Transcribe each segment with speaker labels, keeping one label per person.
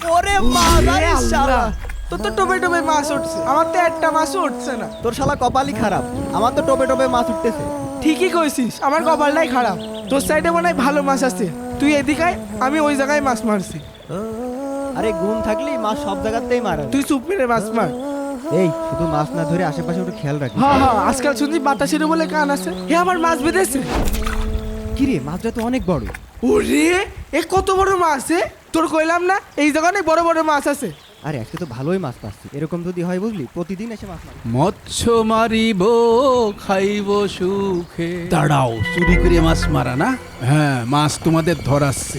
Speaker 1: ওরে মাদারি শালা,
Speaker 2: তোর তো টোপে টোপে মাছ উঠছে, আমার তো একটা মাছও উঠছে না।
Speaker 1: তোর শালা কপালই খারাপ, আমার তো টোপে টোপে মাছ উঠতেছে।
Speaker 2: ঠিকই কইছিস, আমার কপালটাই খারাপ। তোর সাইডে মনে হয় ভালো মাছ আছে, তুই এদিকে আয়, আমি ওই জায়গায় মাছ মারছি।
Speaker 1: আরে গুণ থাকলেই মাছ সব জায়গাতেই মারা।
Speaker 2: তুই চুপ মেরে মাছ মার।
Speaker 1: এই শুধু মাছ না ধরে আশেপাশে একটু খেয়াল রাখিস।
Speaker 2: হ্যাঁ হ্যাঁ, আজকাল শুনছি বাতাসের বলে কান আছে। হে আমার মাছ বেঁধেছে।
Speaker 1: কিরে মাছটা তো অনেক বড়।
Speaker 2: ওরে এ কত বড় মাছ! তোর কইলাম না এই জায়গায় বড় বড় মাছ আছে।
Speaker 1: আরে আজকে তো ভালোই মাছ পাচ্ছি, এরকম যদি হয় বুঝলি প্রতিদিন এসে মাছ মারি।
Speaker 3: মৎস্য মারিব খাইব সুখে। দাঁড়াও, চুরি করে মাছ মারা না? হ্যাঁ, মাছ তোমাদের ধরাচ্ছি।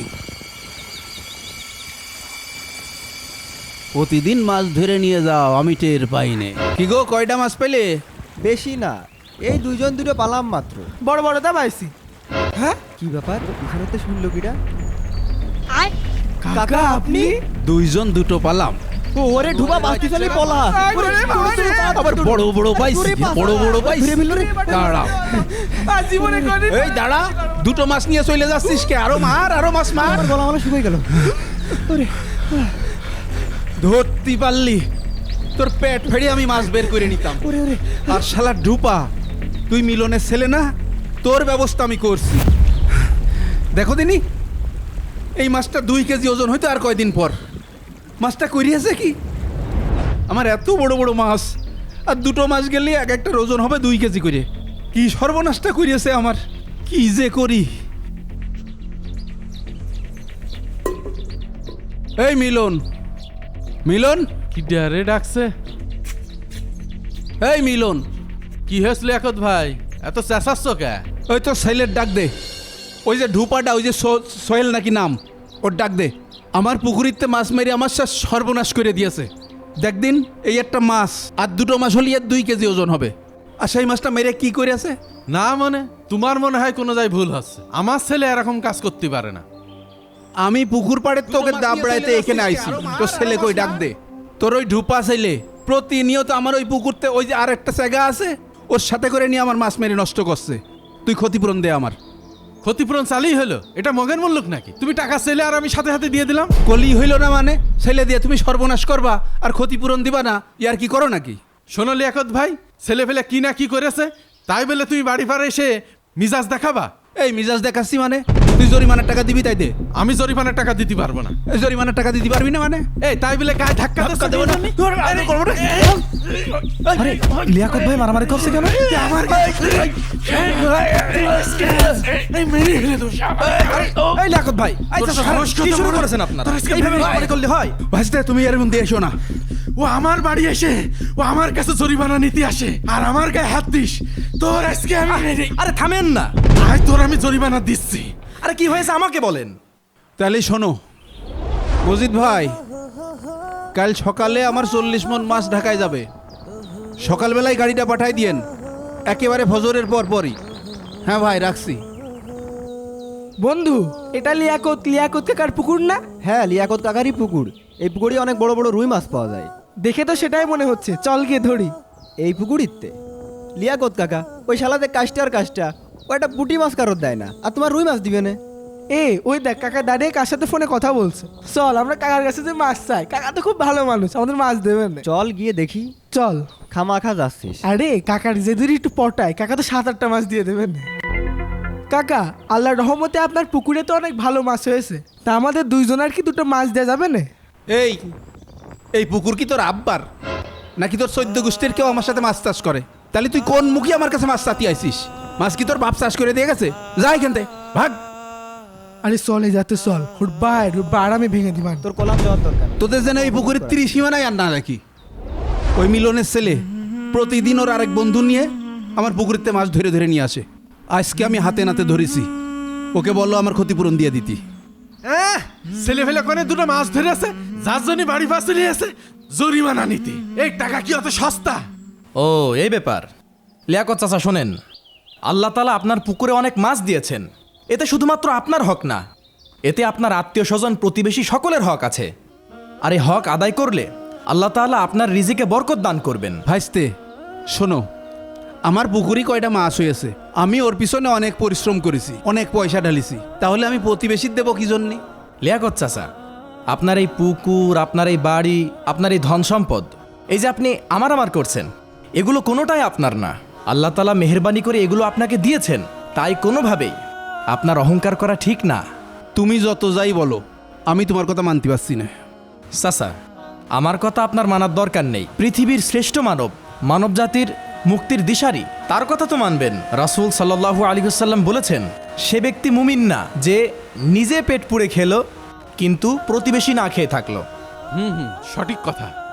Speaker 3: প্রতিদিন মাছ ধরে নিয়ে যাও, আমি টের পাইনে। কি গো, কয়টা মাছ পেলে?
Speaker 1: বেশি না, এই দুইজন দুটো পালাম মাত্র।
Speaker 2: বড় বড়টা পাইছি। হ্যাঁ
Speaker 1: কি ব্যাপার, এখানে তো শুনলো কিটা?
Speaker 2: কাকা আপনি?
Speaker 3: দুইজন দুটো পালাম।
Speaker 1: ও ওরে ঢুবা বাস্তি চালি পলা।
Speaker 3: আবার বড় বড় পাইছি, বড় বড় পাইছি। দাঁড়াও,
Speaker 2: জীবনে কোনদিন
Speaker 3: এই দাঁড়া, দুটো মাছ নিয়ে চলে যাচ্ছিস কে? আরো মার, আরো মাছ মার।
Speaker 1: আমার গলা মানে শুকিয়ে গেল।
Speaker 3: ধরতে পারলি, তোর পেট ফেড়ে আমি মাছ বের করে নিতাম। আর শালা ডুপা, তুই মিলনের ছেলে না? তোর ব্যবস্থা আমি করছি। দেখো দিনি, এই মাছটা 2 কেজি ওজন হইতো আর কয়দিন পর। মাছটা করিয়েছে কি? আমার এত বড় বড় মাছ, আর দুটো মাছ গেলে এক একটা ওজন হবে 2 কেজি করে। কি সর্বনাশটা করিয়েছে আমার, কি যে করি। এই মিলন, মিলন,
Speaker 4: কি ডারে ডাকছে?
Speaker 3: এই মিলন,
Speaker 4: কি হয়েছিল একত ভাই, এত চেঁচাচ্ছ কে?
Speaker 3: ওই তো সাইলের ডাক দে। ওই যে ঢুপাটা, ওই যে সোহেল নাকি নাম, ওর ডাক দে। আমার পুকুরিতে মাছ মেরে আমার সব সর্বনাশ করে দিয়েছে। দেখদিন এই একটা মাছ আর দুটো মাছ হলে 2 কেজি ওজন হবে। আর সেই মাছটা মেরে কি করে আছে?
Speaker 4: না মনে, তোমার মনে হয় কোনো যাই ভুল হচ্ছে। আমার ছেলে এরকম কাজ করতে পারে না।
Speaker 3: আমি পুকুর পাড়ে তোকে দাবড়াইতে এখানে আইছি, তোর ছেলে কই ডাক দে। তোর ওই ঢুপা ছেলে প্রতিনিয়ত আমার ওই পুকুরতে, ওই যে আর একটা জায়গা আছে, ওর সাথে করে নিয়ে আমার মাছ মেরে নষ্ট করছে। তুই ক্ষতিপূরণ দে আমার।
Speaker 4: ক্ষতিপূরণ চালই হলো, এটা মগের মূল্যক নাকি? তুমি টাকা ছেলে আর আমি সাথে সাথে দিয়ে দিলাম।
Speaker 3: কলি হইল না মানে? ছেলে দিয়ে তুমি সর্বনাশ করবা আর ক্ষতিপূরণ দিবা না, ইয়ার কি করো নাকি?
Speaker 4: শোনো লিয়াকত ভাই, ছেলে ফেলে কি না কি করেছে, তাই বলে তুমি বাড়ি পাড়ে এসে মিজাজ দেখাবা?
Speaker 3: এই মিজাজ দেখাচ্ছি মানে? তুই জরিমানার টাকা দিবি তাই দে।
Speaker 4: আমি জরিমানার টাকা দিতে পারবো না।
Speaker 3: এই জরিমানার টাকা দিতে পারবি না মানে?
Speaker 4: এই তাই বলে গায়ে ধাক্কা
Speaker 3: ধাক্কা দেবো না?
Speaker 2: আরে লিয়াকত ভাই মারামারি করছে কেন?
Speaker 4: আমার
Speaker 2: এই লিয়াকত ভাই,
Speaker 4: কি শুরু করেছেন আপনারা?
Speaker 2: এইভাবে মারামারি করলে হয়?
Speaker 3: ভাসতে তুমি এর মধ্যে এসো না।
Speaker 4: ও আমার বাড়ি এসে ও আমার কাছে জরিমানা নিতে আসে আর আমার গায়ে হাত দিস, তোর আজকে আমি
Speaker 2: আরে থামেন না।
Speaker 4: আয় তোর আমি জরিমানা দিচ্ছি।
Speaker 2: আরে কি হয়েছে আমাকে বলেন।
Speaker 3: তাহলে শোনো মজিদ ভাই, কাল সকালে আমার 40 মণ মাছ ঢাকায় যাবে। সকালবেলায় গাড়িটা পাঠাই দিয়েন, একেবারে ফজরের পর পরই। হ্যাঁ ভাই, রাখছি।
Speaker 2: বন্ধু, এটা লিয়াকত কাকার পুকুর না?
Speaker 1: হ্যাঁ লিয়াকত কাকারই পুকুর। এই পুকুরে অনেক বড় বড় রুই মাছ পাওয়া যায়।
Speaker 2: দেখে তো সেটাই মনে হচ্ছে, চল গিয়ে ধরি।
Speaker 1: এই পুকুরিতে লিয়াকত কাকা ওই শালাতে কাজটা আর কাজটা, ও একটা পুঁটি মাছ কারোর দেয় না, আর তোমার রুই মাছ দিবে না।
Speaker 2: ওই দেখ কাকা দাঁড়িয়ে কার সাথে ফোনে কথা বলছে। চল আমরা কাকার কাছে যে মাছ চাই, কাকা তো খুব ভালো মানুষ, আমাদের মাছ দেবেন না।
Speaker 1: চল গিয়ে দেখি।
Speaker 2: চল।
Speaker 1: খামাখা যাচ্ছিস?
Speaker 2: আরে কাকার যে দূরে একটু পটায়, কাকা তো 7-8টা মাছ দিয়ে দেবেন। কাকা আল্লাহর রহমতে আপনার পুকুরে তো অনেক ভালো মাছ হয়েছে, তা আমাদের দুইজনের কি দুটো মাছ দেওয়া যাবে না?
Speaker 3: এই এই পুকুর কি তোর আব্বার নাকি তোর 14 গোষ্ঠীর কেউ আমার সাথে মাছ চাষ করে? তাহলে তুই কোন মুখে আমার কাছে মাছ চাতি আইছিস? মাছ কি তোর বাপ চাষ করে দিয়ে গেছে? যা এখান থেকে ভাগ।
Speaker 2: আরে চলে যাতে চল, হুটবা আরামে ভেঙে দিবান।
Speaker 1: তোর কলাম দেওয়ার দরকার।
Speaker 3: তোদের যেন এই পুকুরের 30 সীমানায় আর না রাখি। ওই মিলনের ছেলে প্রতিদিন ওর আরেক বন্ধু নিয়ে আমার পুকুরেতে মাছ ধরে ধরে নিয়ে আসে। আজকে আমি হাতে নাতে ধরেছি, ওকে বললো আমার ক্ষতিপূরণ দিয়ে দিতি।
Speaker 4: ছেলে ফেলে কোনে দুটো মাছ ধরে আছে, যার জন্য বাড়ি পাশে নিয়ে আছে জরিমানা নিতে। এই টাকা কি অত সস্তা?
Speaker 5: ও এই ব্যাপার। লিয়াকত চাচা শোনেন, আল্লাহ তাআলা আপনার পুকুরে অনেক মাছ দিয়েছেন, এতে শুধুমাত্র আপনার হক না, এতে আপনার আত্মীয় স্বজন প্রতিবেশী সকলের হক আছে। আর এই হক আদায় করলে আল্লাহ তাআলা আপনার রিজিকে বরকত দান করবেন।
Speaker 3: ভাইস্তে শোনো, আমার পুকুরি কয়টা মাছ হয়েছে, আমি ওর পিছনে অনেক পরিশ্রম করেছি, অনেক পয়সা ঢালিছি, তাহলে আমি প্রতিবেশীর দেবো কি জন্যে?
Speaker 5: লিয়াকত চাচা, আপনার এই পুকুর, আপনার এই বাড়ি, আপনার এই ধন সম্পদ, এই যে আপনি আমার করছেন, এগুলো কোনোটাই আপনার না। আল্লাহ তাআলা মেহেরবানি করে এগুলো আপনাকে দিয়েছেন, তাই কোনোভাবেই আপনার অহংকার করা ঠিক না।
Speaker 3: তুমি যত যাই বলো, আমি তোমার কথা মানতে পারছি না।
Speaker 5: চাচা, আমার কথা আপনার মানার দরকার নেই। পৃথিবীর শ্রেষ্ঠ মানব, মানব জাতির মুক্তির দিশারি, তার কথা তো মানবেন। রাসূল সাল্লাল্লাহু আলাইহি ওয়াসাল্লাম বলেছেন, সে ব্যক্তি মুমিন না যে নিজে পেট পুড়ে খেলো কিন্তু প্রতিবেশী না খেয়ে থাকলো।
Speaker 4: সঠিক কথা।